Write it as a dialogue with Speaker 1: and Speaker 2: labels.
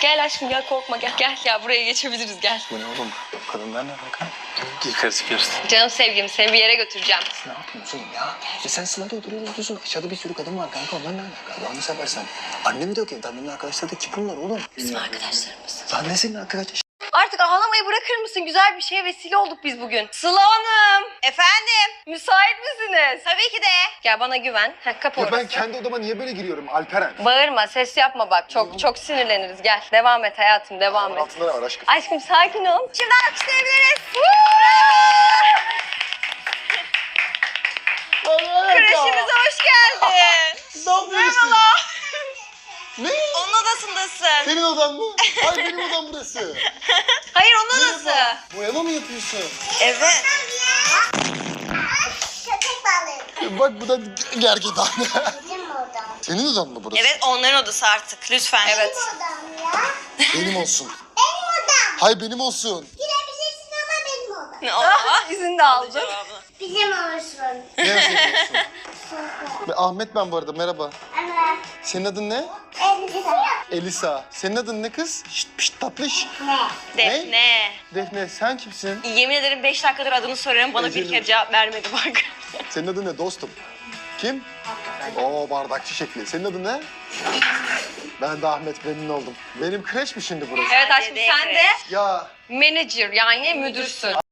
Speaker 1: Gel aşkım gel, korkma gel. Gel buraya geçebiliriz, gel.
Speaker 2: Bu ne oğlum? Kadınlar ne bakar? Gir karısı karısı.
Speaker 1: Canım sevgilim, seni bir yere götüreceğim.
Speaker 2: Ne yapıyorsun ya? Sen sılada oturuyorsun. Aşağıda bir sürü kadın var kanka. Onlar ne alaka? Allah'ını seversen. Annemi de yok evde. Annemin arkadaşları da kim bunlar oğlum?
Speaker 1: Bizim arkadaşlarımız.
Speaker 2: Lan ne senin arkadaş?
Speaker 1: Artık ağlamayı bırakır mısın? Güzel bir şeye vesile olduk biz bugün. Sıla Hanım.
Speaker 3: Efendim?
Speaker 1: Müsait misiniz?
Speaker 3: Tabii ki de.
Speaker 1: Gel bana güven. Kapı
Speaker 2: Ya
Speaker 1: orası.
Speaker 2: ben kendi odama niye böyle giriyorum Alperen?
Speaker 1: Bağırma, ses yapma bak. Çok sinirleniriz. Gel. Devam et hayatım, devam et.
Speaker 2: Altında ne var aşkım?
Speaker 1: Aşkım sakin ol.
Speaker 3: Şimdi alkışlayabiliriz. Kreşimize hoş geldin.
Speaker 2: Ne yapıyorsun? Ne?
Speaker 3: Onun odasındasın.
Speaker 2: Senin odan mı? Hayır benim odam burası.
Speaker 3: Hayır onun odası.
Speaker 2: Boyama mı yapıyorsun?
Speaker 3: Evet.
Speaker 4: Köpek balığı.
Speaker 2: Bak bu da gergedan.
Speaker 4: Bizim odam.
Speaker 2: Senin odan mı burası?
Speaker 3: Evet onların odası artık lütfen.
Speaker 1: Evet.
Speaker 4: Odam ya.
Speaker 2: Benim olsun.
Speaker 4: Benim odam.
Speaker 2: Hayır benim olsun.
Speaker 4: Girebilirsin ama benim odam.
Speaker 3: Oha.
Speaker 1: İzin de aldım.
Speaker 3: Cevabını.
Speaker 4: Bizim olsun.
Speaker 2: Ne senin olsun? Ahmet ben bu arada merhaba.
Speaker 4: Ama
Speaker 2: Senin adın ne?
Speaker 4: elbise.
Speaker 2: Elisa. Senin adın ne kız? Şşt pişt tatlış.
Speaker 4: Ne?
Speaker 3: Defne.
Speaker 2: Defne sen kimsin?
Speaker 3: Yemin ederim 5 dakikadır adını soruyorum bana bir
Speaker 2: Ecelim.
Speaker 3: kere cevap vermedi bak.
Speaker 2: Senin adın ne dostum? Kim? Oo bardakçı şekli. Senin adın ne? Ben de Ahmet memnun oldum. Benim kreş mi şimdi burası?
Speaker 1: Evet aşkım,
Speaker 3: Dede
Speaker 1: sen de
Speaker 2: Ya
Speaker 1: manager yani müdürsün.